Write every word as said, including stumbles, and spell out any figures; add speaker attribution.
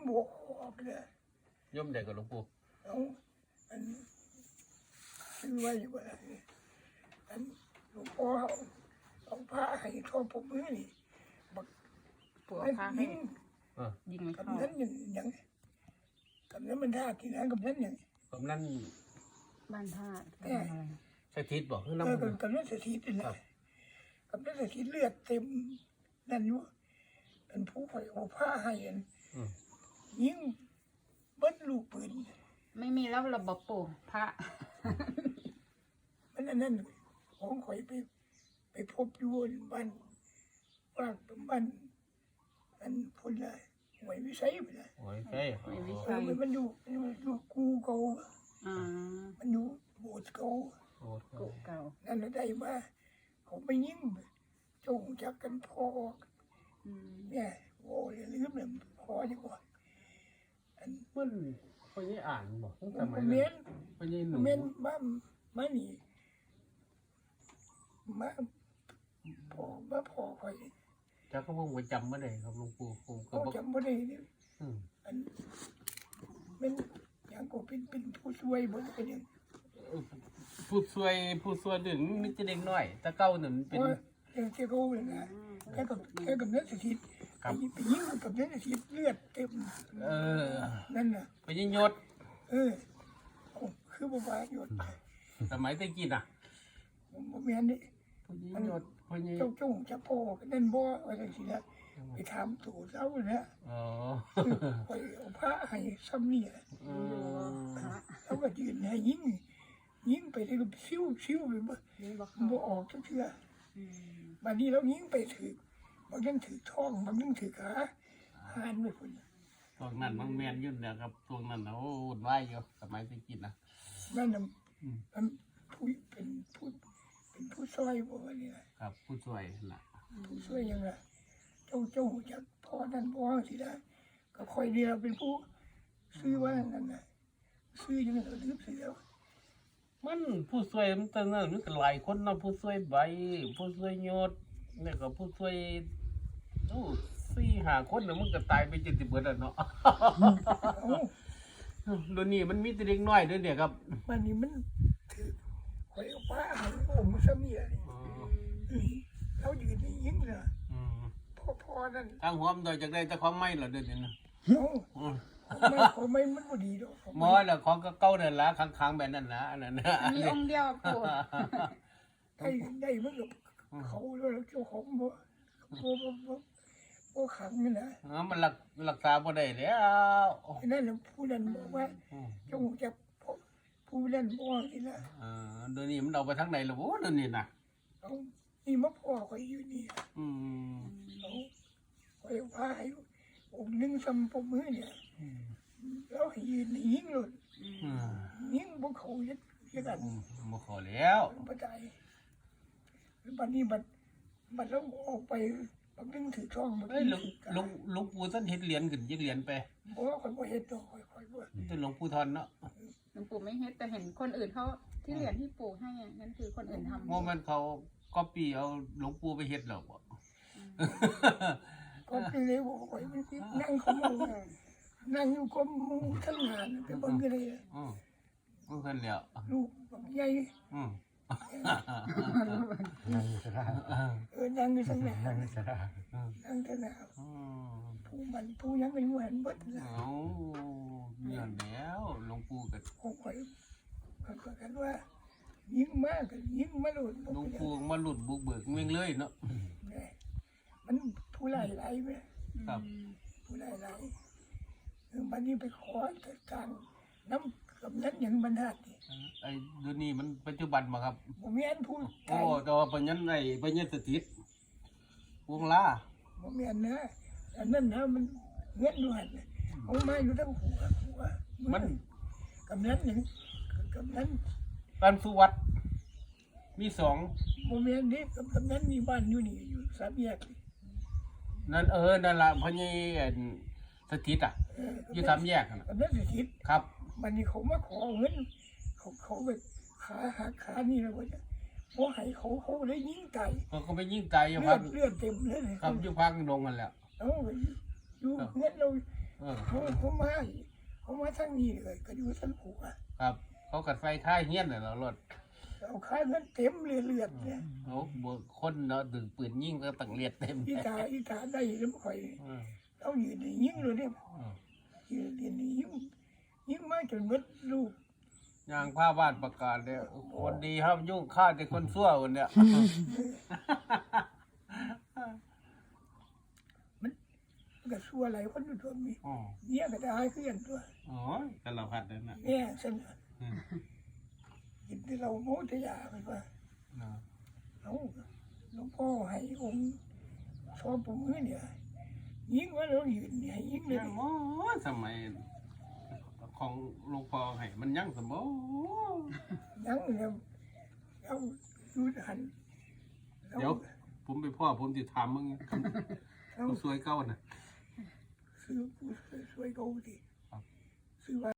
Speaker 1: บวกออกเลย
Speaker 2: ย่อมใดกับหลวงปู่
Speaker 1: เอาอันซื้อไว้ว่าอันหลวงพ่อเอาผ้าให้ทอผมมือนี่บัก
Speaker 3: ปวดผ้าให้ยิงไม่
Speaker 1: กับ
Speaker 3: เข้า
Speaker 1: นั้นอย่างอย่างกับนั้นมันท่ากี่นั้นกับนั้นอย่าง
Speaker 2: กับนั้น
Speaker 3: บ้านท่า
Speaker 2: สถิตบอกคือ
Speaker 1: เอ
Speaker 2: น้ำ
Speaker 1: อกับกับนั้นสถิตนี่แหละกับนั้นสถิตเลือดเต็มนั่นอยู่เป็นผู้ไฟเอาผ้าให้อันยิงเบิ้ลลูกปืน
Speaker 3: ไม่มีแล้วระบบปู่พระ
Speaker 1: มันนั่นของข่อยไปไปพบอยู่บ้านว่าบ้านอันพุ่นเลยหวยวิสัยไปเลย
Speaker 2: หวยใช่หวยวิสั
Speaker 1: ยมันอยู่มันอยู่กูเก่ามันอยู่โบสถ์เก่า
Speaker 3: กูเก่า
Speaker 1: นั่นได้มาเขาไปยิ้มจงจักกันพอเนี่ยโอ้ยลืมเลยพอดีกว่า
Speaker 2: อันมันพอยี่อ่านบอกตั้งแต่
Speaker 1: ไม่เม้น
Speaker 2: พอยี่หนู
Speaker 1: เม้นบ้ามานี่มาพอมาพอคอย
Speaker 2: จะก็ผมจำไม่ได้ครับหลวงปู่ผมก็
Speaker 1: จำไม่ได้เนี่ยอันเป็นอย่างก็เป็นเป็นผู้ช่วยบนเป็นอย่าง
Speaker 2: ผู้ช่วยผู้ช่วยหนึ่งมิจะเด็กน้อยตะเก้าหนึ่งเป็น
Speaker 1: อย่างเจ้าเขาเลยนะแค่กับแค่กับเนื้อสถิตไปยิงกับเนื้อสถิตเลือดเต็ม
Speaker 2: เออ
Speaker 1: นั่นน่ะ
Speaker 2: ไปยิงยศ
Speaker 1: เออคือบ่ว่าหยด
Speaker 2: สมัยตะกี้น่ะ
Speaker 1: บ่แม่นนี่
Speaker 2: มันหยดพอ
Speaker 1: เจ้าจุ้งจะโพนั่นบ่ว่าจังซี่นะไปถามตู่เจ้าเนี่ย
Speaker 2: อ๋อ
Speaker 1: ไปเอาผ้าให้ซ้ำนี่แล้วก็ยืนให้ยิงยิงไปได้ก็ซิ้วซิ้วไปบ่บ่ออกจักเทื่อบัดนี้เรายิงไปถือบางยังถือท้องบางยังถือขาหานไปพุ่น
Speaker 2: ตรงนั้นมันแม่นยุ่นเนี่ยครับตรงนั้นโอ้วุ่นวายอยู่สมัยตะกี้นะ
Speaker 1: นั่นน่ะมันผู้เป็นผู้เป็นผู้ช่วยบ่นี่
Speaker 2: ครับผู้ช่วยน่ะ
Speaker 1: ผู้ช่วยยังไงเจ้าเจ้าจักพอนั่นพอสิได้ก็ค่อยเดียวเป็นผู้ซื้อว่านั่นน่ะซื้อยังไงก็ลืมเสีย
Speaker 2: มันผู้ช่วยมันตอนนั้นมันก็หลายคนเนาะผู้ช่วยใบผู้ช่วยยศเนี่ยก็ผู้ช่วยโอ้สี่ห้าคนเนี่ยมันก็ตายไปเจ็ดสิบเบิดแล้วเนาะรุ่นนี้มันมีแต่เด็กน้อยด้วยเนี่ยครับ
Speaker 1: มันนี่มันถือคอยเอาป้าให้โอ้มันซะมีอะไรแล้วยืนยิ้มเลยพ่อพ่อนั่น
Speaker 2: ทางหัวมันโดยจากได้แต่ของไม่หรอเดือนนี้นะ
Speaker 1: ไม่ของไม่มันบ่ดีดอก
Speaker 2: มอแล้วของก็เก่านั่นละค้างๆแบบนั้นนะอันนั้นนะ
Speaker 3: มีองค์เดียวปู่
Speaker 1: ได้ได้มันกับเขาแล้วเจ้าของบ่บ่บ่บ่ขังนี่นะ
Speaker 2: อ๋อมันรักรักษาบ่ได้แล้ว
Speaker 1: นั่นน่ะผู้นั้นบอกว่าจงจับผู้นั้นบ่นี่นะ
Speaker 2: เออเดี๋ยวนี้มันเอาไปทางไหนล่ะโว้เดี๋ยวนี้น่ะ
Speaker 1: เอานี่มาพ่อข่อยอยู่นี่
Speaker 2: อืม
Speaker 1: เอาข่อยพาให้องค์นึงซ้ำปมือเนี่ยแล้วให้ยืนยิงเลยยิงบ่เขายึดยึดกัน
Speaker 2: บ่ขอแล้ว
Speaker 1: บ่ได้บัดนี้บัดบัดแล้วออกไปบางนึงถือช่อง
Speaker 2: เอ้ยหลวงหลวงหลวงปู่ท่านเฮ็ดเหรียญขึ้นยึดเหรียญไป
Speaker 1: บ่ข่อยบ่เฮ็ดดอกข่อยข่อยบ่
Speaker 2: แต่หลวงปู่ทอนเนาะ
Speaker 3: หลวงปู่ไม่เฮ็ดแต่เห็นคนอื่นเขาที่เหรียญที่ปู่ให้นั่นคือคนอื่นทำ
Speaker 2: โมมันเขาก๊อปปี้เอาหลวงปู่ไปเฮ็ดหรอกบ่
Speaker 1: ก็คือเลยบอกข่อยมันสินั่งเขามองนั่งอยู่ก็มูทั้งงานไปเบิ่งกันเลย
Speaker 2: อือมันคั่นแล้ว
Speaker 1: ลูกบักใหญ่
Speaker 2: อือ
Speaker 1: นั่งอยู่ซะเออนั่งอยู่ซั่นแหละนั่งอยู่ซะนั่งซั่นน่ะผู้มันผู้ยังเป็นเหมือนเบิด
Speaker 2: เอ้าย้อนแล้วหลวงปู่ก็
Speaker 1: ข่อยก็กันว่ายิ่งมากก็ยิ่งมาหลุด
Speaker 2: หลวงปู่มาหลุดบุกเบิกเมืองเลยเนาะ
Speaker 1: มันผู้หลายหลายไหม
Speaker 2: ครับ
Speaker 1: ผู้หลายหลายบัดนี้ไปขอจัดการน้ำกับนั้นอย่างบรรทัดนี่
Speaker 2: ไอ้เดี๋ยวนี้มันปัจจุบันมาครับ
Speaker 1: ผมมีอันพูด
Speaker 2: โอ้แต่ว่าปัญญาไอ้ปัญญาสถิตวงล่า
Speaker 1: ผมมีอันนะอันนั้นนะมันเงี้ยด้วยเอามาอยู่ทั้งหัวหัว
Speaker 2: มัน
Speaker 1: กับนั้นอย่างกับนั้น
Speaker 2: บ้านสุวัตมีสอง
Speaker 1: ผมมีอันนี้กับกับนั้นมีบ้านอยู่นี่อยู่สามแยก
Speaker 2: นั่นเออนั่นละพ่อใหญ่สถิตอ่ะอยู่สามแยก
Speaker 1: นะนั่นสถิต
Speaker 2: ครับ
Speaker 1: มันนี่เขามาขอเงินเขาเขาไปขาหักขานี่แล้วว่าพอให้เขาเขาเลยยิงไก่
Speaker 2: เขาไปยิงไก่อยู่
Speaker 1: พักเลือดเต็มเลย
Speaker 2: ครับอยู่พักดงกันแล้ว
Speaker 1: เอ้าอยู่เงินเราเขาเขาเขามาเขามาทางนี้เลยก็อยู่สันผูอ่ะ
Speaker 2: ครับ เขากัดไฟค่ายเฮี้ยนน่ะเนาะรถ
Speaker 1: เอาค่ายมันเต็มเลือดเนี่ย
Speaker 2: โอ้บ่คนเนาะดึงปืนยิงก็ตั้งเลียดเต็ม
Speaker 1: อีตาอีตาได้แล้วข่อย
Speaker 2: อืม
Speaker 1: เอาอยู่ในยิงเลยเนี่ย
Speaker 2: อืม
Speaker 1: ยืนเรียนยิงยิงมาจนหมดลูก
Speaker 2: ยางผ้าบ้านประกาศเนี่ยคนดีห้ามยุ่งฆ่าแต่คนชั่วคนเนี่ย
Speaker 1: มันก็ชั่วอะไรคนอยู่ตัวมี
Speaker 2: อ๋อ
Speaker 1: เนี่ยก็ได้ขึ้นตัว
Speaker 2: อ๋อแต่เราพัดนั่นน่ะ
Speaker 1: เนี่ยฉัน
Speaker 2: อืม
Speaker 1: กินที่เราโมทยาไปว่า
Speaker 2: เนาะ
Speaker 1: เอาหลวงพ่อให้องค์ชอบผมมือเนี่ยยิงว่าเรายืนให้ยิงเลย
Speaker 2: ยังโอ้สมัยของหลวงพ่อให้มันยังสมบู
Speaker 1: ยังเนี่ยเราดูหัน
Speaker 2: เดี๋ยวผมไปพ่อผมจะถามมึง
Speaker 1: เรา
Speaker 2: ผู้สวยเก้าน่ะ
Speaker 1: ซื้อผู้สวยๆเขาดิ